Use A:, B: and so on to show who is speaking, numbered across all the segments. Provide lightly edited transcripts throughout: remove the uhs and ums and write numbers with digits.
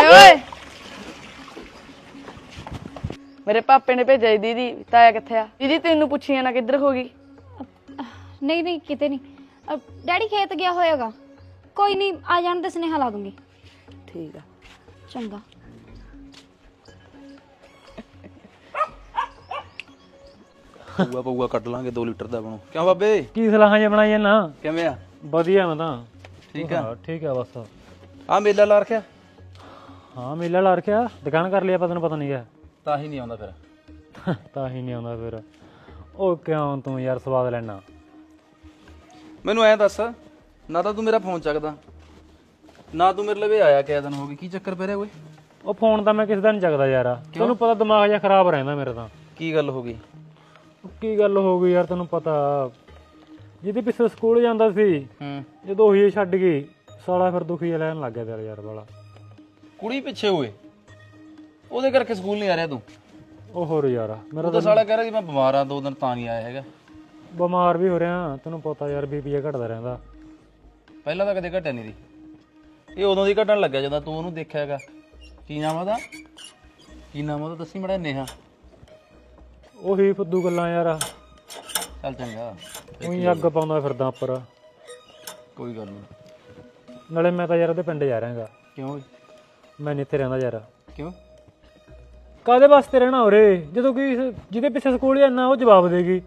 A: ਓਏ ਮੇਰੇ ਪਾਪੇ ਨੇ ਭੇਜਿਆ ਦੀਦੀ ਤਾਇਆ ਕਿੱਥੇ ਆ ਦੀਦੀ ਤੈਨੂੰ ਪੁੱਛੀਆਂ ਨਾ ਕਿੱਧਰ ਹੋ ਗਈ
B: ਨਹੀਂ ਨਹੀਂ ਕਿਤੇ ਨਹੀਂ ਡੈਡੀ ਖੇਤ ਗਿਆ ਹੋਏਗਾ ਕੋਈ ਨਹੀਂ ਆ ਜਾਣ ਤੇ ਸੁਨੇਹਾ ਲਾ ਦੂੰਗੀ
A: ਠੀਕ ਆ
B: ਚੰਗਾ
C: ਪਊਆ ਪਊਆ ਕੱਢ ਲਾਂਗੇ 2 ਲੀਟਰ ਦਾ ਬਣੋ ਕਿਉਂ ਬਾਬੇ
D: ਕੀ ਸਲਾਹਾਂ ਜਿਹਾ ਬਣਾਈ ਜਾਂਦਾ
C: ਕਿਵੇਂ ਆ
D: ਵਧੀਆ ਮੈਂ ਤਾਂ
C: ਠੀਕ ਆ
D: ਠੀਕ ਆ ਬਸ
C: ਆ ਮੇਲਾ ਲਾ ਰੱਖਿਆ
D: ਹਾਂ ਮੇਲਾ ਲਾ ਰੱਖਿਆ ਦੁਕਾਨ ਕਰ ਲਿਆ ਤੈਨੂੰ ਪਤਾ ਨਹੀਂ ਗਿਆ
C: ਤਾਂ ਹੀ ਨਹੀਂ ਆਉਂਦਾ ਫਿਰ
D: ਤਾਂ ਹੀ ਨਹੀਂ ਆਉਂਦਾ ਫਿਰ ਉਹ ਕਿਉਂ ਤੂੰ ਯਾਰ ਸਵਾਦ ਲੈਣਾ
C: ਮੈਨੂੰ ਐਂ ਦੱਸ ਨਾ ਤਾਂ ਤੂੰ ਮੇਰਾ ਫੋਨ ਚੱਕਦਾ ਨਾ ਤੂੰ ਮੇਰੇ ਲਵੇ ਆਇਆ ਕਿਆ ਦਿਨ ਹੋ ਗਈ ਕੀ ਚੱਕਰ ਪੈ ਰਿਹਾ ਓਏ
D: ਉਹ ਫੋਨ ਤਾਂ ਮੈਂ ਕਿਸੇ ਦਾ ਨਹੀਂ ਚੱਕਦਾ ਯਾਰ ਤੈਨੂੰ ਪਤਾ ਦਿਮਾਗ ਜਿਹਾ ਖਰਾਬ ਰਹਿੰਦਾ ਮੇਰਾ ਤਾਂ
C: ਕੀ ਗੱਲ ਹੋ ਗਈ
D: ਉਹ ਕੀ ਗੱਲ ਹੋ ਗਈ ਯਾਰ ਤੈਨੂੰ ਪਤਾ ਜਿਹਦੇ ਪਿੱਛੇ ਸਕੂਲ ਜਾਂਦਾ ਸੀ
C: ਹੂੰ
D: ਜਦੋਂ ਉਹੀ ਛੱਡ ਗਈ ਸਾਲਾ ਫਿਰ ਦੁਖੀ ਲੈਣ ਲੱਗ ਗਿਆ ਤੇਰਾ ਯਾਰ ਵਾਲਾ
C: ਕੁੜੀ ਪਿੱਛੇ ਹੋਏ ਉਹਦੇ ਕਰਕੇ ਸਕੂਲ ਨਹੀਂ ਆ ਰਿਹਾ ਤੂੰ
D: ਉਹ ਹੋਰ ਯਾਰ ਮੇਰਾ
C: ਉਹ ਤਾਂ ਸਾਲਾ ਕਹਿ ਰਿਹਾ ਸੀ ਮੈਂ ਬਿਮਾਰ ਆ 2 ਦਿਨ ਤਾਂ ਨਹੀਂ ਆਇਆ ਹੈਗਾ
D: ਬਿਮਾਰ ਵੀ ਹੋ ਰਿਹਾ ਤੈਨੂੰ ਪਤਾ ਯਾਰ ਬੀਪੀ ਘਟਦਾ ਰਹਿੰਦਾ
C: ਪਹਿਲਾਂ ਤਾਂ ਕਦੇ ਘਟਿਆ ਨਹੀਂ ਦੀ ਇਹ ਉਦੋਂ ਦੀ ਘਟਣ ਲੱਗਿਆ ਜਦੋਂ ਤੂੰ ਉਹਨੂੰ ਦੇਖਿਆ ਹੈਗਾ ਕੀ ਨਾਮ ਉਹਦਾ ਕੀ ਨਾਮ ਉਹਦਾ ਦੱਸੀ ਮੜਾ ਨੇਹਾ
D: ਉਹੀ ਫੁੱਦੂ ਗੱਲਾਂ ਯਾਰ
C: ਚੱਲ ਚੰਗਾ
D: ਉਹੀ ਅੱਗ ਪਾਉਂਦਾ ਫਿਰਦਾ ਉੱਪਰ
C: ਕੋਈ ਗੱਲ ਨਹੀਂ
D: ਨਾਲੇ ਮੈਂ ਤਾਂ ਯਾਰ ਉਹਦੇ ਪਿੰਡ ਜਾ ਰਿਹਾਗਾ
C: ਕਿਉਂ ਓਏ?
D: ਮੈਂ ਨਹੀਂ ਇੱਥੇ ਰਹਿੰਦਾ ਯਾਰ
C: ਕਿਉਂ
D: ਕਾਹਦੇ ਵਾਸਤੇ ਰਹਿਣਾ ਹੋਰੇ ਜਦੋਂ ਕਿ ਜਿਹਦੇ ਪਿੱਛੇ ਸਕੂਲ ਜਾਂਦਾ ਉਹ ਜਵਾਬ ਦੇਗੀ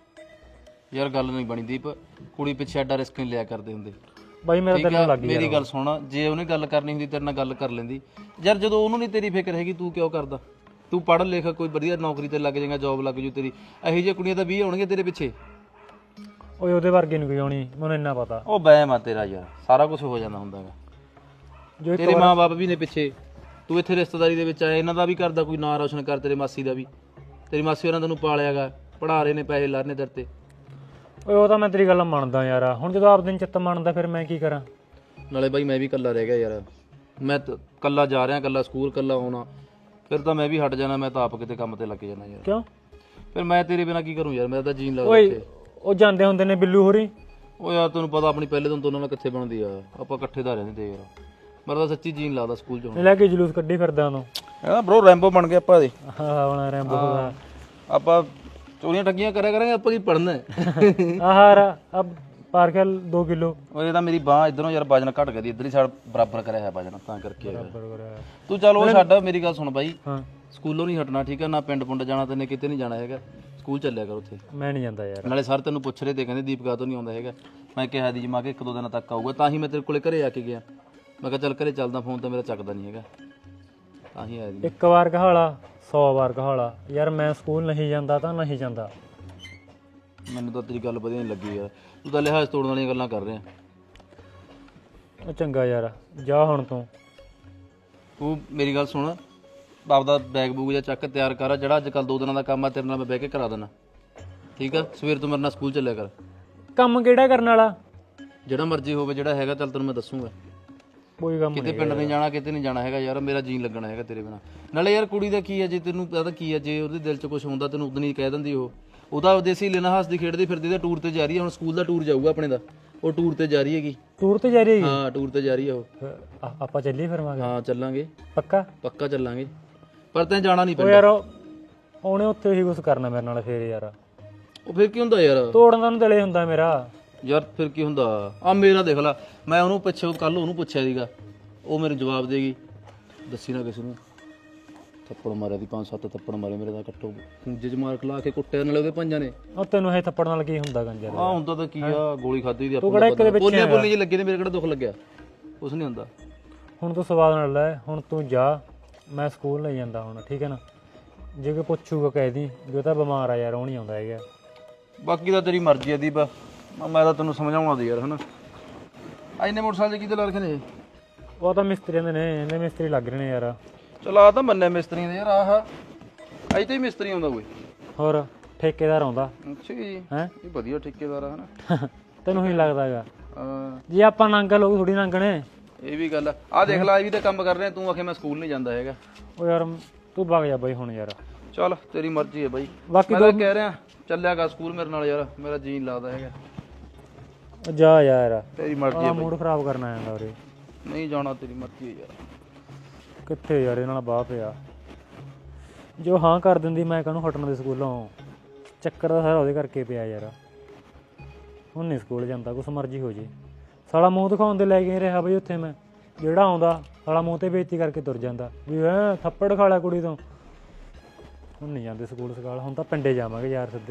C: ਯਾਰ ਗੱਲ ਨਹੀਂ ਬਣੀ ਦੀਪ ਕੁੜੀ ਪਿੱਛੇ ਐਡਾ ਰਿਸਕ ਨਹੀਂ ਲਿਆ ਕਰਦੇ ਹੁੰਦੇ
D: ਬਾਈ ਮੇਰਾ
C: ਠੀਕ
D: ਦਿਲ
C: ਆ
D: ਲੱਗ ਗਿਆ
C: ਮੇਰੀ ਗੱਲ ਸੁਣ ਜੇ ਉਹਨੇ ਗੱਲ ਕਰਨੀ ਹੁੰਦੀ ਤੇਰੇ ਨਾਲ ਗੱਲ ਕਰ ਲੈਂਦੀ ਯਾਰ ਜਦੋਂ ਉਹਨੂੰ ਨਹੀਂ ਤੇਰੀ ਫਿਕਰ ਹੈਗੀ ਤੂੰ ਕਿਉਂ ਕਰਦਾ ਤੂੰ ਪੜ੍ਹ ਲਿਖ ਕੋਈ ਵਧੀਆ ਨੌਕਰੀ ਤੇ ਲੱਗ ਜਾਏਗਾ ਜੌਬ ਲੱਗ ਜੂ ਤੇਰੀ ਇਹੋ ਜਿਹੀਆਂ ਕੁੜੀਆਂ ਤਾਂ 20 ਹੋਣਗੀਆਂ ਤੇਰੇ ਪਿੱਛੇ
D: ਓਏ ਉਹਦੇ ਵਰਗੀ ਨਹੀਂ ਕੋਈ ਆਉਣੀ ਮੈਨੂੰ ਇੰਨਾ ਪਤਾ
C: ਉਹ ਵਹਿਮ ਆ ਤੇਰਾ ਯਾਰ ਸਾਰਾ ਕੁਝ ਹੋ ਜਾਂਦਾ ਹੁੰਦਾ ਹੈਗਾ
D: ਜੋ
C: ਤੇਰੇ ਮਾਂ-ਬਾਪ ਵੀ ਨੇ ਪਿੱਛੇ ਤੂੰ ਇੱਥੇ ਰਿਸ਼ਤੇਦਾਰੀ ਦੇ ਵਿੱਚ ਆਇਆ ਇਹਨਾਂ ਦਾ ਵੀ ਕਰਦਾ ਕੋਈ ਨਾਂ ਰੌਸ਼ਨ ਕਰ ਤੇਰੇ ਮਾਸੀ ਦਾ ਵੀ ਤੇਰੀ ਮਾਸੀ ਉਹਨਾਂ ਤੈਨੂੰ ਪਾਲਿਆਗਾ ਪੜ੍ਹਾ ਰਹੇ ਨੇ ਪੈਸੇ ਲਾ ਰਹੇ ਨੇ ਤੇਰੇ ਤੇ
D: ਓਏ ਉਹ ਤਾਂ ਮੈਂ ਤੇਰੀ ਗੱਲ ਮੰਨਦਾ ਯਾਰ ਹੁਣ ਜਦੋਂ ਆਪ ਦਿਨ ਚਿੱਤ ਮੰਨਦਾ ਫਿਰ ਮੈਂ ਕੀ ਕਰਾਂ
C: ਨਾਲੇ ਬਾਈ ਮੈਂ ਵੀ ਇਕੱਲਾ ਰਹਿ ਗਿਆ ਯਾਰ ਮੈਂ ਇਕੱਲਾ ਜਾ ਰਿਹਾ ਇਕੱਲਾ ਸਕੂਲ ਇਕੱਲਾ ਆਉਣਾ ਫਿਰ ਤਾਂ ਮੈਂ ਵੀ ਹਟ ਜਾਣਾ ਮੈਂ ਤਾਂ ਆਪ ਕਿਤੇ ਕੰਮ ਤੇ ਲੱਗ ਜਾਣਾ ਯਾਰ
D: ਕਿਉਂ
C: ਫਿਰ ਮੈਂ ਤੇਰੇ ਬਿਨਾ ਕੀ ਕਰੂੰ ਯਾਰ ਮੇਰਾ ਤਾਂ ਜੀਣ ਲੱਗਦਾ
D: ਓਏ
C: ਇੱਥੇ
D: ਉਹ ਜਾਂਦੇ ਹੁੰਦੇ ਨੇ ਬਿੱਲੂ ਹੋਰੀ
C: ਉਹ ਯਾਰ ਤੈਨੂੰ ਪਤਾ ਆਪਣੀ ਪਹਿਲੇ ਦਿਨ ਤੋਂ ਉਹਨਾਂ ਨਾਲ ਕਿੱਥੇ ਬਣਦੀ ਆ ਆਪਾਂ ਇਕੱਠੇ ਦਾ ਰਹਿੰਦੇ ਤੇ ਯਾਰ ਮੇਰਾ ਤਾਂ ਸੱਚੀ ਜੀਣ ਲੱਗਦਾ ਸਕੂਲ 'ਚ ਹੁਣ
D: ਲੈ ਕੇ ਜਲੂਸ ਕੱਢੀ ਫਿਰਦਾ ਉਹਨੂੰ
C: ਇਹਦਾ ਬ్రో ਰੈਂਬੋ ਬਣ ਗਿਆ ਆਪਾਂ ਦੇ
D: ਹਾਂ ਬਣਾ ਰੈਂਬੋ ਦਾ
C: ਆਪਾਂ ਚੋਰੀਆਂ ਠੱਗੀਆਂ ਕਰਿਆ ਕਰਾਂਗੇ ਆਪਾਂ ਕੀ ਪੜਨਾ
D: ਆਹਾਰ ਅਬ ਪਾਰਕਲ 2 ਕਿਲੋ
C: ਉਹ ਇਹ ਤਾਂ ਮੇਰੀ ਬਾਹ ਇਧਰੋਂ ਯਾਰ ਵਜਨ ਘਟ ਗਿਆ ਦੀ ਇਧਰ ਹੀ ਸਾਡ ਬਰਾਬਰ ਕਰਿਆ ਹੈ ਵਜਨ ਤਾਂ ਕਰਕੇ ਤੂੰ ਚੱਲ ਉਹ ਛੱਡ ਮੇਰੀ ਗੱਲ ਸੁਣ ਬਾਈ
D: ਹਾਂ
C: ਸਕੂਲੋਂ ਨਹੀਂ ਹਟਣਾ ਠੀਕ ਆ ਨਾ ਪਿੰਡ ਪੁੰਡ ਜਾਣਾ ਤੈਨੇ ਕਿਤੇ ਨਹੀਂ ਜਾਣਾ ਹੈਗਾ ਸਕੂਲ ਚੱਲਿਆ ਕਰ ਉੱਥੇ
D: ਮੈਂ ਨਹੀਂ ਜਾਂਦਾ ਯਾਰ
C: ਨਾਲੇ ਸਰ ਤੈਨੂੰ ਪੁੱਛ ਰਹੇ ਤੇ ਕਹਿੰਦੇ ਦੀਪਕਾ ਤੋਂ ਨਹੀਂ ਆਉਂਦਾ ਹੈਗਾ ਮੈਂ ਕਿਹਾ ਦੀ ਜਮਾ ਕੇ 1-2 ਦਿਨਾਂ ਤੱਕ ਆਊਗਾ ਤਾਂ ਹੀ ਮੈਂ ਤੇਰੇ ਕੋਲੇ ਘਰੇ ਆ ਕੇ ਗਿਆ ਮੈਂ ਕਿਹਾ ਚੱਲ ਘਰੇ ਚੱਲਦਾ ਫੋਨ ਤਾਂ ਮੇਰਾ ਚੱਕਦਾ ਨਹੀਂ ਹੈਗਾ ਤਾਂ ਹੀ ਆਇਆ ਜੀ
D: ਇੱਕ ਵਾਰ ਕਹਾਲਾ 100 ਵਾਰ ਕਹਾਲਾ ਯਾਰ ਮੈਂ ਸਕੂਲ ਨਹੀਂ ਜਾਂਦਾ ਤਾਂ ਨਹੀਂ ਜਾਂਦਾ
C: ਮੈਨੂੰ ਤਾਂ ਤੇਰੀ ਗੱਲ ਵਧੀਆ ਨਹੀਂ ਲੱਗੀ ਯਾਰ ਤੂੰ ਤਾਂ ਲਿਹਾਜ਼ ਤੋੜਨ ਵਾਲੀਆਂ ਗੱਲਾਂ ਕਰ ਰਿਹਾ
D: ਉਹ ਚੰਗਾ ਯਾਰ ਜਾ ਹੁਣ
C: ਤੂੰ ਮੇਰੀ ਗੱਲ ਸੁਣ ਬਾਪ ਦਾ ਬੈਗ ਬੂਗ ਜਾਂ ਚੱਕ ਤਿਆਰ ਕਰ ਜਿਹੜਾ ਅੱਜ ਕੱਲ 2 ਦਿਨਾਂ ਦਾ ਕੰਮ ਆ ਤੇਰੇ ਨਾਲ ਮੈਂ ਬਹਿ ਕੇ ਕਰਾ ਦੇਣਾ ਠੀਕ ਆ ਸਵੇਰ ਤੋਂ ਮੇਰੇ ਨਾਲ ਸਕੂਲ ਚੱਲਿਆ ਕਰ
D: ਕੰਮ ਕਿਹੜਾ ਕਰਨ ਵਾਲਾ
C: ਜਿਹੜਾ ਮਰਜ਼ੀ ਹੋਵੇ ਜਿਹੜਾ ਹੈਗਾ ਚੱਲ ਤੈਨੂੰ ਮੈਂ ਦੱਸੂਗਾ
D: ਕੋਈ ਕੰਮ
C: ਕਿਤੇ ਪਿੰਡ ਨਹੀਂ ਜਾਣਾ ਕਿਤੇ ਨਹੀਂ ਜਾਣਾ ਹੈਗਾ ਯਾਰ ਮੇਰਾ ਜੀਨ ਲੱਗਣਾ ਹੈਗਾ ਤੇਰੇ ਬਿਨਾ ਨਾਲੇ ਯਾਰ ਕੁੜੀ ਦਾ ਕੀ ਹੈ ਜੇ ਤੈਨੂੰ ਪਤਾ ਕੀ ਹੈ ਜੇ ਉਹਦੇ ਦਿਲ 'ਚ ਕੁਝ ਹੁੰਦਾ ਤੈਨੂੰ ਉਦੋਂ ਹੀ ਕਹਿ ਦਿੰਦੀ ਉਹਦਾ ਵਿਦੇਸੀ ਲੈਣਾ ਹੱਸਦੀ ਖੇਡਦੀ ਫਿਰਦੀ ਦਾ ਟੂਰ ਤੇ ਜਾ ਰਹੀ ਹੈ ਹੁਣ ਸਕੂਲ ਦਾ ਟੂਰ ਜਾਊਗਾ ਆਪਣੇ ਦਾ ਉਹ ਟੂਰ ਤੇ ਜਾ ਰਹੀ ਹੈਗੀ
D: ਟੂਰ ਤੇ ਜਾ ਰਹੀ ਹੈਗੀ
C: ਹਾਂ ਟੂਰ ਤੇ ਜਾ ਰਹੀ ਹੈ ਉਹ
D: ਆਪਾਂ ਚੱਲੀਏ ਫਿਰ ਮਾਂਗੇ
C: ਹਾਂ ਚੱਲਾਂਗੇ
D: ਪੱਕਾ
C: ਪੱਕਾ ਚੱਲਾਂਗੇ ਪਰ ਤੈਂ ਜਾਣਾ ਨਹੀਂ
D: ਉਹ
C: ਪਿੰਡ
D: ਯਾਰ ਉਹਨੇ ਉੱਥੇ ਹੀ ਕੁਝ ਕਰਨਾ ਮੇਰੇ ਨਾਲ ਫੇਰ ਯਾਰ
C: ਉਹ ਫਿਰ ਕੀ ਹੁੰਦਾ ਯਾਰ
D: ਤੋੜਨ ਦਾ ਨੂੰ ਦਿਲੇ ਹੁੰਦਾ ਮੇਰਾ
C: ਯਾਰ ਫਿਰ ਕੀ ਹੁੰਦਾ ਆ ਮੇਰਾ ਦੇਖ ਲੈ ਮੈਂ ਉਹਨੂੰ ਪਿੱਛੇ ਕੱਲ ਉਹਨੂੰ ਪੁੱਛਿਆ ਸੀਗਾ ਉਹ ਮੈਨੂੰ ਜਵਾਬ ਦੇਗੀ ਦੱਸੀ ਨਾ ਕਿਸੇ ਨੂੰ ਥੱਪੜ ਮਾਰਿਆ ਦੀ 5-7 ਥੱਪੜ ਮਾਰੇ ਮੇਰੇ ਦਾ ਕੱਟੋ ਖੂੰਜੇ 'ਚ ਮਾਰ ਖਲਾ ਕੇ ਕੁੱਟਿਆ ਨਾਲੇ ਉਹਦੇ ਪੰਜਾਂ ਨੇ
D: ਉਹ ਤੈਨੂੰ ਇਹ ਥੱਪੜ ਨਾਲ ਕੀ ਹੁੰਦਾ ਗੰਜਰ
C: ਆ ਹੁੰਦਾ ਤਾਂ ਕੀ ਆ ਗੋਲੀ ਖਾਧੀ ਦੀ ਆਪਾਂ
D: ਬੋਲੀਆਂ
C: ਬੋਲੀ ਜੀ ਲੱਗੇ ਨੇ ਮੇਰੇ ਕਿਹੜਾ ਦੁੱਖ ਲੱਗਿਆ ਕੁਛ ਨਹੀਂ ਹੁੰਦਾ
D: ਹੁਣ ਤੂੰ ਸਵਾਦ ਨਾਲ ਲੈ ਹੁਣ ਤੂੰ ਜਾ ਮੈਂ ਸਕੂਲ ਨਹੀਂ ਜਾਂਦਾ ਹੁਣ ਠੀਕ ਹੈ ਨਾ ਜੇ ਕੋਈ ਪੁੱਛੂਗਾ ਕਹਿ ਦੀ ਜੋ ਤਾਂ ਬਿਮਾਰ ਆ ਯਾਰ ਉਹ ਨਹੀਂ ਆਉਂਦਾ ਹੈਗਾ
C: ਬਾਕੀ ਤਾਂ ਤੇਰੀ ਮਰਜ਼ੀ ਆ ਦੀਪ ਮੈਂ ਤਾਂ ਤੈਨੂੰ ਸਮਝਾਉਣਾ ਦੀ ਯਾਰ ਹਨਾ ਐਨੇ ਮੋਟਰਸਾਈਕਲ ਕਿਤੇ ਲਾ ਰੱਖੇ ਨੇ
D: ਉਹ ਤਾਂ ਮਿਸਤਰੀਆਂ ਦੇ ਨੇ ਇਹਨੇ ਮਿਸਤਰੀ ਲੱਗ ਰਹੇ ਨੇ ਯਾਰ
C: ਚਲ ਆ ਤਾਂ ਮੰਨੇ ਮਿਸਤਰੀਆਂ ਦੇ ਯਾਰ ਆਹ ਅਜੇ ਤਾਂ ਹੀ ਮਿਸਤਰੀ ਆਉਂਦਾ ਕੋਈ
D: ਹੋਰ ਠੇਕੇਦਾਰ ਆਉਂਦਾ
C: ਅੱਛਾ ਜੀ
D: ਹੈ
C: ਇਹ ਵਧੀਆ ਠੇਕੇਦਾਰ ਆ ਹਨਾ
D: ਤੈਨੂੰ ਹੀ ਲੱਗਦਾ ਹੈਗਾ
C: ਹਾਂ
D: ਜੇ ਆਪਾਂ ਨੰਗ ਲੋਕ ਥੋੜੀ ਨੰਗਣੇ
C: ਇਹ ਵੀ ਗੱਲ ਆ ਦੇਖ ਲੈ ਇਹ ਵੀ ਤਾਂ ਕੰਮ ਕਰ ਰਿਹਾ ਤੂੰ ਆਖੇ ਮੈਂ ਸਕੂਲ ਨਹੀਂ ਜਾਂਦਾ ਹੈਗਾ
D: ਉਹ ਯਾਰ ਤੂੰ ਵਗ ਜਾ ਬਾਈ ਹੁਣ ਯਾਰ
C: ਚੱਲ ਤੇਰੀ ਮਰਜ਼ੀ ਹੈ ਬਾਈ
D: ਬਾਕੀ
C: ਮੈਂ ਤਾਂ ਕਹਿ ਰਿਹਾ ਚੱਲਿਆਗਾ ਸਕੂਲ ਮੇਰੇ ਨਾਲ ਯਾਰ ਮੇਰਾ ਜੀਨ ਲੱਗਦਾ ਹੈਗਾ
D: ਜਾ ਯਾਰ
C: ਤੇਰੀ ਮਰਜ਼ੀ ਹੈ ਬਾਈ
D: ਮੂਡ ਖਰਾਬ ਕਰਨਾ ਆਂਦਾ ਉਰੇ
C: ਨਹੀਂ ਜਾਣਾ ਤੇਰੀ ਮਰਜ਼ੀ ਹੈ ਯਾਰ
D: ਕਿੱਥੇ ਯਾਰ, ਇਹਨਾਂ ਨਾਲ ਬਾਹ ਪਿਆ। ਜੋ ਹਾਂ ਕਰ ਦਿੰਦੀ ਮੈਂ ਕਾਹਨੂੰ ਹਟਣ ਦੇ ਸਕੂਲੋਂ। ਚੱਕਰ ਦਾ ਸਾਰਾ ਉਹਦੇ ਕਰਕੇ ਪਿਆ ਯਾਰ। ਹੁਣ ਨਹੀਂ ਸਕੂਲ ਜਾਂਦਾ, ਕੁਛ ਮਰਜ਼ੀ ਹੋ ਜੇ। ਸਾਲਾ ਮੂੰਹ ਦਿਖਾਉਣ ਦੇ ਲੈ ਕੇ ਰਿਹਾ ਬਈ ਉੱਥੇ ਮੈਂ। ਜਿਹੜਾ ਆਉਂਦਾ ਸਾਲਾ ਮੂੰਹ ਤੇ ਬੇਇੱਜ਼ਤੀ ਕਰਕੇ ਤੁਰ ਜਾਂਦਾ ਵੀ ਹੈਂ ਥੱਪੜ ਖਾ ਲਿਆ ਕੁੜੀ ਤੋਂ। ਹੁਣ ਨਹੀਂ ਜਾਂਦੇ ਸਕੂਲ ਸਕਾਲ, ਹੁਣ ਤਾਂ ਪਿੰਡੇ ਜਾਵਾਂਗੇ ਯਾਰ ਸਿੱਧੇ।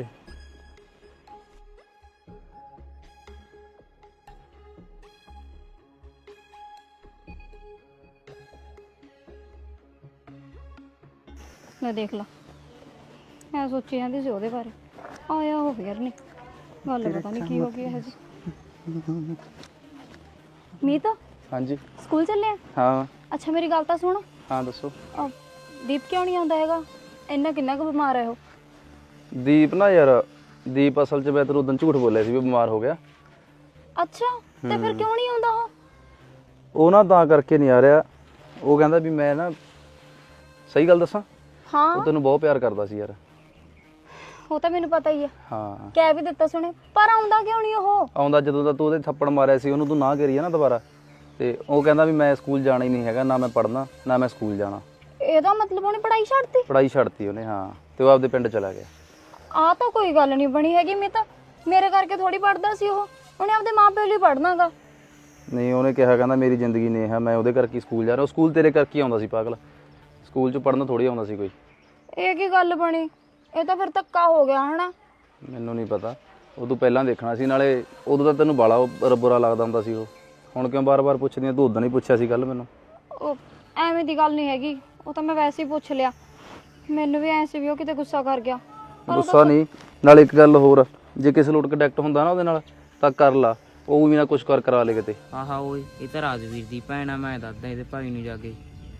B: ਲੈ ਦੇਖ ਲਾ, ਮੈਂ ਸੋਚੀ ਜਾਂਦੀ ਸੀ ਉਹਦੇ ਬਾਰੇ, ਆਇਆ ਉਹ ਫੇਰ ਨਹੀਂ। ਗੱਲ ਪਤਾ ਨਹੀਂ ਕੀ ਹੋ ਗਈ ਇਹ ਜੀ। ਮੀਤ
C: ਹਾਂਜੀ
B: ਸਕੂਲ ਚੱਲੇ ਆ?
C: ਹਾਂ
B: ਅੱਛਾ ਮੇਰੀ ਗੱਲ ਤਾਂ ਸੁਣ।
C: ਹਾਂ ਦੱਸੋ।
B: ਦੀਪ ਕਿਉਂ ਨਹੀਂ ਆਉਂਦਾ ਹੈਗਾ? ਇੰਨਾ ਕਿੰਨਾ ਕੁ ਬਿਮਾਰ ਹੈ ਉਹ?
C: ਦੀਪ ਨਾ ਯਾਰ, ਦੀਪ ਅਸਲ 'ਚ ਮੈਂ ਤੈਨੂੰ ਉਦੋਂ ਝੂਠ ਬੋਲਿਆ ਸੀ ਵੀ ਬਿਮਾਰ ਹੋ ਗਿਆ।
B: ਅੱਛਾ ਤੇ ਫਿਰ ਕਿਉਂ ਨਹੀਂ ਆਉਂਦਾ ਉਹ?
C: ਉਹ ਨਾ ਤਾਂ ਕਰਕੇ ਨਹੀਂ ਆ ਰਿਹਾ। ਉਹ ਕਹਿੰਦਾ ਵੀ ਮੈਂ ਨਾ, ਸਹੀ ਗੱਲ ਦੱਸਾਂ,
B: ਹਾਂ
C: ਉਹ ਤੈਨੂੰ ਬਹੁਤ ਪਿਆਰ ਕਰਦਾ ਸੀ ਯਾਰ।
B: ਉਹ ਤਾਂ ਮੈਨੂੰ ਪਤਾ ਹੀ ਹੈ,
C: ਹਾਂ
B: ਕਹਿ ਵੀ ਦਿੱਤਾ ਸੁਣੇ, ਪਰ ਆਉਂਦਾ ਕਿਉਂ ਨਹੀਂ ਉਹ?
C: ਆਉਂਦਾ ਜਦੋਂ ਦਾ ਤੂੰ ਉਹਦੇ ਥੱਪੜ ਮਾਰਿਆ ਸੀ, ਉਹਨੂੰ ਤੂੰ ਨਾ ਕਰੀ ਆ ਨਾ ਦੁਬਾਰਾ, ਤੇ ਉਹ ਕਹਿੰਦਾ ਵੀ ਮੈਂ ਸਕੂਲ ਜਾਣਾ ਹੀ ਨਹੀਂ ਹੈਗਾ, ਨਾ ਮੈਂ ਪੜ੍ਹਨਾ ਨਾ ਮੈਂ ਸਕੂਲ ਜਾਣਾ।
B: ਇਹਦਾ ਮਤਲਬ ਉਹਨੇ ਪੜ੍ਹਾਈ ਛੱਡਤੀ?
C: ਪੜ੍ਹਾਈ ਛੱਡਤੀ ਉਹਨੇ, ਹਾਂ, ਤੇ ਉਹ ਆਪਦੇ ਪਿੰਡ ਚਲਾ ਗਿਆ।
B: ਆਹ ਤਾਂ ਕੋਈ ਗੱਲ ਨਹੀਂ ਬਣੀ ਹੈਗੀ। ਮੈਂ ਤਾਂ ਮੇਰੇ ਕਰਕੇ ਥੋੜੀ ਪੜ੍ਹਦਾ ਸੀ ਉਹ, ਉਹਨੇ ਆਪਦੇ ਮਾਪਿਆਂ ਲਈ ਪੜ੍ਹਨਾਗਾ।
C: ਨਹੀਂ ਉਹਨੇ ਕਿਹਾ, ਕਹਿੰਦਾ ਮੇਰੀ ਜ਼ਿੰਦਗੀ ਨੇ ਹੈ, ਮੈਂ ਉਹਦੇ ਕਰਕੇ ਸਕੂਲ ਜਾ ਰਿਹਾ। ਉਹ ਸਕੂਲ ਤੇਰੇ ਕਰਕੇ ਆਉਂਦਾ ਸੀ ਪਾਗਲ, ਸਕੂਲ 'ਚ ਪੜ੍ਹਨ ਥੋੜੀ ਆਉਂਦਾ ਸੀ ਕੋਈ।
B: ਇਹ ਕੀ ਗੱਲ ਬਣੀ? ਇਹ ਤਾਂ ਫਿਰ ਧੱਕਾ ਹੋ ਗਿਆ ਹਨਾ।
C: ਮੈਨੂੰ ਨਹੀਂ ਪਤਾ, ਉਹ ਤੂੰ ਪਹਿਲਾਂ ਦੇਖਣਾ ਸੀ, ਨਾਲੇ ਉਦੋਂ ਤਾਂ ਤੈਨੂੰ ਬਾਲਾ ਬੁਰਾ ਲੱਗਦਾ ਹੁੰਦਾ ਸੀ ਉਹ। ਹੁਣ ਕਿਉਂ ਬਾਰ-ਬਾਰ ਪੁੱਛਦੀ ਆ? ਤੂੰ ਉਦੋਂ ਨਹੀਂ ਪੁੱਛਿਆ ਸੀ ਕੱਲ ਮੈਨੂੰ।
B: ਉਹ ਐਵੇਂ ਦੀ ਗੱਲ ਨਹੀਂ ਹੈਗੀ, ਉਹ ਤਾਂ ਮੈਂ ਵੈਸੇ ਹੀ ਪੁੱਛ ਲਿਆ। ਮੈਨੂੰ ਵੀ ਐ ਸੀ ਵੀ ਉਹ ਕਿਤੇ ਗੁੱਸਾ ਕਰ ਗਿਆ।
C: ਗੁੱਸਾ ਨਹੀਂ, ਨਾਲ ਇੱਕ ਗੱਲ ਹੋਰ, ਜੇ ਕਿਸੇ ਲੋਟ ਕੰਟੈਕਟ ਹੁੰਦਾ ਨਾ ਉਹਦੇ ਨਾਲ ਤਾਂ ਕਰ ਲਾ, ਉਹ ਵੀ ਨਾ ਕੁਛ ਕਰਾ ਲੇ ਕਿਤੇ।
E: ਆਹਾ ਓਏ, ਇਹ ਤਾਂ ਰਾਜਵੀਰ ਦੀ ਭੈਣ ਆ, ਮੈਂ ਦੱਸਦਾ ਇਹਦੇ ਭਾਈ ਨੂੰ ਜਾ ਕੇ।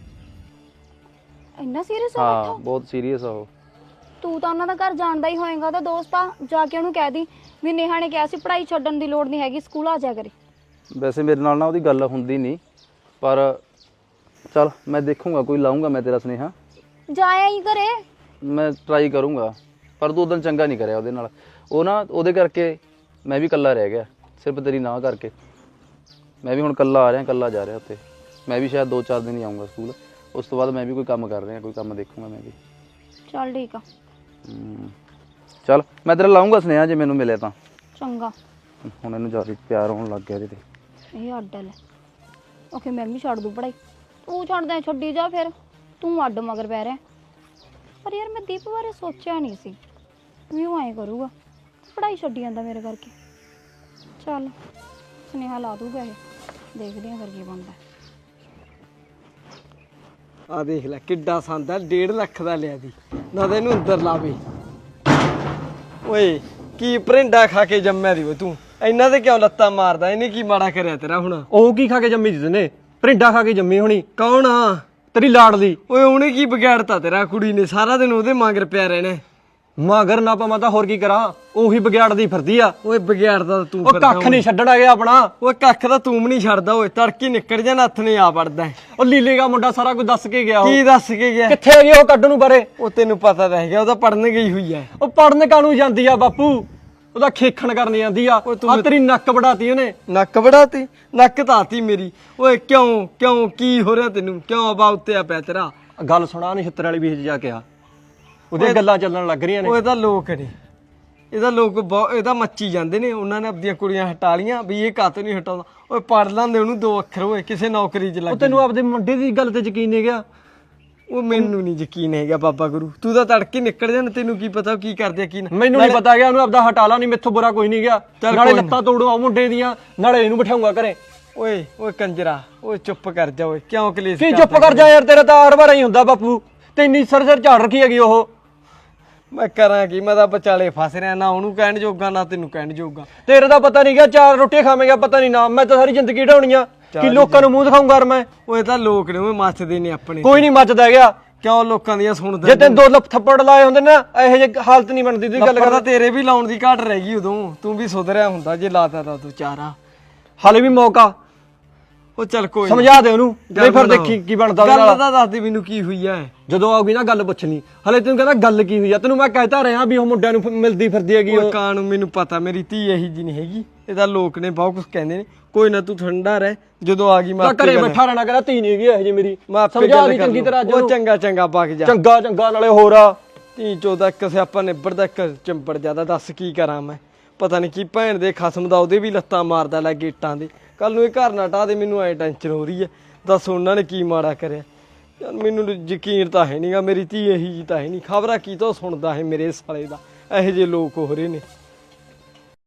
B: ਇੰਨਾ ਸੀਰੀਅਸ ਹੋ
C: ਹਾਂ
B: ਬੈਠਾ?
C: ਬਹੁਤ ਸੀਰੀਅਸ ਆ ਉਹ।
B: ਤੂੰ ਤਾਂ ਉਹਨਾਂ ਦਾ ਘਰ ਜਾਣਦਾ ਹੀ ਹੋਏਗਾ, ਤਾਂ ਦੋਸਤ ਆ, ਜਾ ਕੇ ਉਹਨੂੰ ਕਹਿ ਦੀ ਵੀ ਨੇਹਾ ਨੇ ਕਿਹਾ ਸੀ ਪੜ੍ਹਾਈ ਛੱਡਣ ਦੀ ਲੋੜ ਨਹੀਂ ਹੈਗੀ, ਸਕੂਲ ਆ ਜਾ ਕਰੇ।
C: ਵੈਸੇ ਮੇਰੇ ਨਾਲ ਨਾ ਉਹਦੀ ਗੱਲ ਹੁੰਦੀ ਨਹੀਂ, ਪਰ ਚੱਲ ਮੈਂ ਦੇਖੂੰਗਾ, ਕੋਈ ਲਾਉਂਗਾ ਮੈਂ ਤੇਰਾ ਸੁਨੇਹਾ।
B: ਜਾਇਆ ਹੀ ਘਰੇ।
C: ਮੈਂ ਟਰਾਈ ਕਰੂੰਗਾ, ਪਰ ਤੂੰ ਉਦੋਂ ਚੰਗਾ ਨਹੀਂ ਕਰਿਆ ਉਹਦੇ ਨਾਲ। ਉਹ ਨਾ ਉਹਦੇ ਕਰਕੇ ਮੈਂ ਵੀ ਇਕੱਲਾ ਰਹਿ ਗਿਆ, ਸਿਰਫ ਤੇਰੀ ਨਾ ਕਰਕੇ। ਮੈਂ ਵੀ ਹੁਣ ਇਕੱਲਾ ਆ ਰਿਹਾ, ਇਕੱਲਾ ਜਾ ਰਿਹਾ ਉੱਥੇ। ਮੈਂ ਵੀ ਸ਼ਾਇਦ 2-4 ਦਿਨ ਹੀ ਆਊਂਗਾ ਸਕੂਲ, ਉਸ ਤੋਂ ਬਾਅਦ ਮੈਂ ਵੀ ਕੋਈ ਕੰਮ ਕਰ ਰਿਹਾ, ਕੋਈ ਕੰਮ ਦੇਖੂੰਗਾ ਮੈਂ ਵੀ।
B: ਚੱਲ ਠੀਕ ਆ।
C: ਚੱਲ ਮੈਂ ਤੇਰਾ ਲਾਉਂਗਾ ਸੁਨੇਹਾ ਜੇ ਮੈਨੂੰ ਮਿਲਿਆ ਤਾਂ।
B: ਚੰਗਾ।
C: ਹੁਣ ਇਹਨੂੰ ਜ਼ਿਆਦਾ ਪਿਆਰ ਹੋਣ ਲੱਗ ਗਿਆ ਇਹਦੇ ਤੇ।
B: ਇਹ ਅੱਡ ਲੈ। ਓਕੇ ਮੈਂ ਵੀ ਛੱਡ ਦੂੰ ਪੜ੍ਹਾਈ, ਤੂੰ ਛੱਡਦਾ ਛੱਡੀ ਜਾ, ਫਿਰ ਤੂੰ ਅੱਡ ਮਗਰ ਪੈ ਰਿਹਾ। ਪਰ ਯਾਰ ਮੈਂ ਦੀਪ ਬਾਰੇ ਸੋਚਿਆ ਨਹੀਂ ਸੀ ਵੀ ਉਹ ਐਂ ਕਰੂਗਾ, ਪੜ੍ਹਾਈ ਛੱਡੀ ਜਾਂਦਾ ਮੇਰੇ ਕਰਕੇ। ਚੱਲ ਸੁਨੇਹਾ ਲਾ ਦੂਗਾ ਇਹ, ਦੇਖਦੇ ਹਾਂ ਫਿਰ ਕੀ ਬਣਦਾ।
F: ਆ ਦੇਖ ਲੈ ਕਿੱਡਾ ਸੰਦ ਆ, 1.5 ਲੱਖ ਦਾ ਲਿਆ ਦੀ ਨਾ, ਤੈਨੂੰ ਅੰਦਰ ਲਾਵੇ। ਓਏ ਕੀ ਭਰਿੰਡਾ ਖਾ ਕੇ ਜੰਮਿਆ ਦੀ ਓਏ ਤੂੰ, ਇਹਨਾਂ ਤੇ ਕਿਉਂ ਲੱਤਾਂ ਮਾਰਦਾ? ਇਹਨੇ ਕੀ ਮਾੜਾ ਕਰਿਆ ਤੇਰਾ ਹੁਣ?
G: ਉਹ ਕੀ ਖਾ ਕੇ ਜੰਮੀ ਸੀ ਤੈਨੇ? ਭਰਿੰਡਾ ਖਾ ਕੇ ਜੰਮੀ ਹੋਣੀ।
F: ਕੌਣ ਆ?
G: ਤੇਰੀ ਲਾਡਲੀ।
F: ਓਏ ਉਹਨੇ ਕੀ ਵਿਗਾੜਤਾ ਤੇਰਾ? ਕੁੜੀ ਨੇ ਸਾਰਾ ਦਿਨ ਉਹਦੇ ਮਗਰ ਪਿਆ ਰਹਿਣਾ।
G: ਮਗਰ ਨਾ ਪਵਾਂ ਤਾਂ ਹੋਰ ਕੀ ਕਰਾਂ, ਉਹੀ ਵਿਗਿਆੜਦੀ ਫਿਰਦੀ ਆ।
F: ਓਏ ਵਿਗਾੜਦਾ ਤੂੰ
G: ਉਹ ਕੱਖ ਨਹੀਂ ਛੱਡਣ ਆ ਗਿਆ ਆਪਣਾ।
F: ਓਏ ਕੱਖ ਤਾਂ ਤੂੰ ਵੀ ਨਹੀਂ ਛੱਡਦਾ। ਓਏ ਤੜਕੀ ਨਿਕਲ ਜਾ, ਨੱਥ ਨੇ ਆ ਵੜਦਾ।
G: ਉਹ ਲੀਲੇ ਦਾ ਮੁੰਡਾ ਸਾਰਾ ਕੁਝ ਦੱਸ ਕੇ ਗਿਆ।
F: ਕੀ
G: ਉਹ
F: ਦੱਸ ਕੇ ਗਿਆ?
G: ਕਿੱਥੇ ਹੈਗੀ ਉਹ ਕੱਢ ਨੂੰ ਬਾਰੇ?
F: ਉਹ ਤੈਨੂੰ ਪਤਾ ਤਾਂ ਹੈਗਾ, ਉਹ ਤਾਂ ਪੜਨ ਗਈ ਹੋਈ ਐ।
G: ਉਹ ਪੜਨ ਕਾਹਨੂੰ ਜਾਂਦੀ ਆ ਬਾਪੂ, ਉਹਦਾ ਖੇਖਣ ਕਰਨ ਜਾਂਦੀ ਆ। ਆ ਤੇਰੀ ਨੱਕ ਵੜਾਤੀ ਉਹਨੇ।
F: ਨੱਕ ਵੜਾਤੀ? ਨੱਕ ਧਾਤੀ ਮੇਰੀ। ਓਏ ਕਿਉਂ ਕਿਉਂ ਕੀ ਹੋ ਰਿਹਾ ਤੈਨੂੰ? ਕਿਉਂ ਅਬਾ ਉੱਤੇ ਆ ਪਿਆ ਤੇਰਾ?
G: ਗੱਲ ਸੁਣਾ ਨਛੱਤਰ ਵਾਲੀ ਵੀਹ ਜਾ ਕੇ ਆ, ਉਹਦੀਆਂ ਗੱਲਾਂ ਚੱਲਣ ਲੱਗ ਰਹੀਆਂ ਨੇ।
F: ਉਹ ਇਹਦਾ ਲੋਕ ਨੇ, ਇਹਦਾ ਲੋਕ ਇਹਦਾ ਮੱਚੀ ਜਾਂਦੇ ਨੇ। ਉਹਨਾਂ ਨੇ ਆਪਣੀਆਂ ਕੁੜੀਆਂ ਹਟਾ ਲੀਆਂ ਵੀ ਇਹ ਕਾਤੋਂ ਨਹੀਂ ਹਟਾਉਂਦਾ। ਓਏ ਪੜ ਲਾਂਦੇ ਉਹਨੂੰ 2 ਅੱਖਰ, ਓਏ ਕਿਸੇ ਨੌਕਰੀ 'ਚ ਲੱਗ।
G: ਉਹ ਤੈਨੂੰ ਆਪਦੇ ਮੁੰਡੇ ਦੀ ਗੱਲ ਤੇ ਯਕੀਨ ਨਹੀਂ ਗਿਆ?
F: ਉਹ ਮੈਨੂੰ ਨਹੀਂ ਯਕੀਨ ਹੈਗਾ ਬਾਬਾ ਗੁਰੂ, ਤੂੰ ਤਾਂ ਤੜਕੇ ਨਿਕਲ ਜਾਣ, ਤੈਨੂੰ ਕੀ ਪਤਾ ਉਹ ਕੀ ਕਰਦੇ ਆ ਕੀ ਨਾ।
G: ਮੈਨੂੰ ਨਹੀਂ ਪਤਾ ਗਿਆ, ਉਹਨੂੰ ਆਪਦਾ ਹਟਾ ਲਾ, ਨਹੀਂ ਮੈਥੋਂ ਬੁਰਾ ਕੋਈ ਨਹੀਂ ਗਿਆ। ਨਾਲੇ ਲੱਤਾਂ ਤੋੜੂ ਆ ਮੁੰਡੇ ਦੀਆਂ, ਨਾਲੇ ਇਹਨੂੰ ਬਿਠਾਉਂਗਾ ਘਰੇ।
F: ਓਏ ਓਏ ਕੰਜਰਾ, ਓਏ ਚੁੱਪ ਕਰ ਜਾ। ਓਏ ਕਿਉਂ ਕਲੇਸ਼
G: ਕੀ ਚੁੱਪ ਕਰ ਜਾ ਯਾਰ, ਤੇਰਾ ਤਾਂ ਹਰ ਵਾਰ ਹੀ ਹੁੰਦਾ ਬਾਪੂ। ਤੇ ਇੰਨੀ ਸਿਰ ਝਾੜ ਰੱਖੀ ਹੈਗੀ ਉਹ।
F: ਮੈਂ ਕਰਾਂ ਕੀ? ਮੈਂ ਤਾਂ ਵਿਚਾਲੇ ਫਸ ਰਿਹਾ, ਨਾ ਉਹਨੂੰ ਕਹਿਣ ਜੋਗਾ ਨਾ ਤੈਨੂੰ ਕਹਿਣ ਜੋਗਾ।
G: ਤੇਰੇ ਦਾ ਪਤਾ ਨਹੀਂ ਗਿਆ, 4 ਰੋਟੀਆਂ ਖਾਵੇਂਗਾ ਪਤਾ ਨਹੀਂ ਨਾ। ਮੈਂ ਤਾਂ ਸਾਰੀ ਜ਼ਿੰਦਗੀ ਢਾਉਣੀਆਂ ਕਿ ਲੋਕਾਂ ਨੂੰ ਮੂੰਹ ਦਿਖਾਉਂਗਾ ਮੈਂ।
F: ਓਏ ਤਾਂ ਲੋਕ ਨੇ, ਓਏ ਮੱਚਦੇ ਨੇ ਆਪਣੇ।
G: ਕੋਈ ਨਹੀਂ ਮੱਚਦਾ ਗਿਆ।
F: ਕਿਉਂ ਲੋਕਾਂ ਦੀਆਂ ਸੁਣਦਾ?
G: ਜੇ ਤੈਨੂੰ 2 ਲੱਖ ਥੱਪੜ ਲਾਏ ਹੁੰਦੇ ਨਾ, ਇਹੋ ਜਿਹੀ ਹਾਲਤ ਨਹੀਂ ਬਣਦੀ। ਤੂੰ ਗੱਲ
F: ਕਰਦਾ, ਤੇਰੇ ਵੀ ਲਾਉਣ ਦੀ ਘਾਟ ਰਹਿ ਗਈ ਉਦੋਂ। ਤੂੰ ਵੀ ਸੁਧਰਿਆ ਹੁੰਦਾ ਜੇ ਲਾਤਾ ਤਾਂ ਤੂੰ ਚਾਰਾ।
G: ਹਾਲੇ ਵੀ ਮੌਕਾ।
F: ਉਹ ਚੱਲ ਕੋਈ
G: ਸਮਝਾ ਦੇ ਉਹਨੂੰ, ਨਹੀਂ ਫਿਰ ਦੇਖੀ ਕੀ ਬਣਦਾ ਉਹਦੇ ਨਾਲ।
F: ਗੱਲ ਤਾਂ ਦੱਸ ਦੇ ਮੈਨੂੰ ਕੀ ਹੋਈ ਐ।
G: ਜਦੋਂ ਆਉਗੀ ਨਾ ਗੱਲ ਪੁੱਛਣੀ। ਹਲੇ ਤੈਨੂੰ ਕਹਿੰਦਾ ਗੱਲ ਕੀ ਹੋਈ ਆ, ਤੈਨੂੰ ਮੈਂ ਕਹਿਤਾ ਰਿਹਾ ਵੀ ਉਹ ਮੁੰਡਿਆਂ ਨੂੰ ਮਿਲਦੀ ਫਿਰਦੀ ਹੈਗੀ।
F: ਉਹ ਕਾਂ ਨੂੰ ਮੈਨੂੰ ਪਤਾ, ਮੇਰੀ ਧੀ ਇਹੀ ਜੀ ਨਹੀਂ ਹੈਗੀ। ਇਹਦਾ ਲੋਕ ਨੇ ਬਹੁਤ ਕੁਝ ਕਹਿੰਦੇ ਨੇ। ਕੋਈ ਨਾ ਤੂੰ ਠੰਡਾ ਰਹਿ, ਜਦੋਂ ਆ ਗਈ ਮੈਂ
G: ਤਾਂ
F: ਆਪੇ
G: ਘਰੇ
F: ਗੱਲ-
G: ਬੈਠਾ ਰਹਿਣਾ, ਕਹਿੰਦਾ ਧੀ ਨਹੀਂ ਹੈਗੀ ਇਹ ਜੀ ਮੇਰੀ।
F: ਮੈਂ ਆਪੇ
G: ਸਮਝਾ
F: ਗੱਲ
G: ਦੀ
F: ਕਰ
G: ਚੰਗੀ
F: ਲਊਂ।
G: ਤਰ੍ਹਾਂ ਅੱਜ
F: ਉਹ
G: ਉਹਨੂੰ।
F: ਚੰਗਾ ਚੰਗਾ ਵਗ ਜਾ।
G: ਚੰਗਾ ਚੰਗਾ ਨਾਲੇ ਹੋਰ ਆ
F: ਧੀ ਚੋਦਾ ਇੱਕ ਸਿਆਪਾ ਨਿਬੜਦਾ ਇੱਕ ਚਿੰਬੜ ਜਾਂਦਾ। ਦੱਸ ਕੀ ਕਰਾਂ ਮੈਂ, ਪਤਾ ਨਹੀਂ ਕੀ ਭੈਣ ਦੇ ਖਸਮ ਦਾ ਉਹਦੇ ਵੀ ਲੱਤਾਂ ਮਾਰਦਾ ਲੈ ਗੇਟਾਂ ਦੇ। ਕੱਲ ਨੂੰ ਇਹ ਘਰ ਨਾ ਢਾਹ ਦੇ, ਮੈਨੂੰ ਐ ਟੈਨਸ਼ਨ ਹੋ ਰਹੀ ਹੈ। ਦੱਸ ਉਹਨਾਂ ਨੇ ਕੀ ਮਾੜਾ ਕਰਿਆ ਯਾਰ, ਮੈਨੂੰ ਯਕੀਨ ਤਾਂ ਹੈ ਨਹੀਂਗਾ ਮੇਰੀ ਧੀ ਇਹੀ ਜੀ ਤਾਂ ਹੈ ਨਹੀਂ। ਖਬਰਾਂ ਕੀ ਤੋਂ ਸੁਣਦਾ ਹੈ ਮੇਰੇ ਸਾਲੇ ਦਾ, ਇਹੋ ਜਿਹੇ ਲੋਕ ਹੋ ਰਹੇ ਨੇ।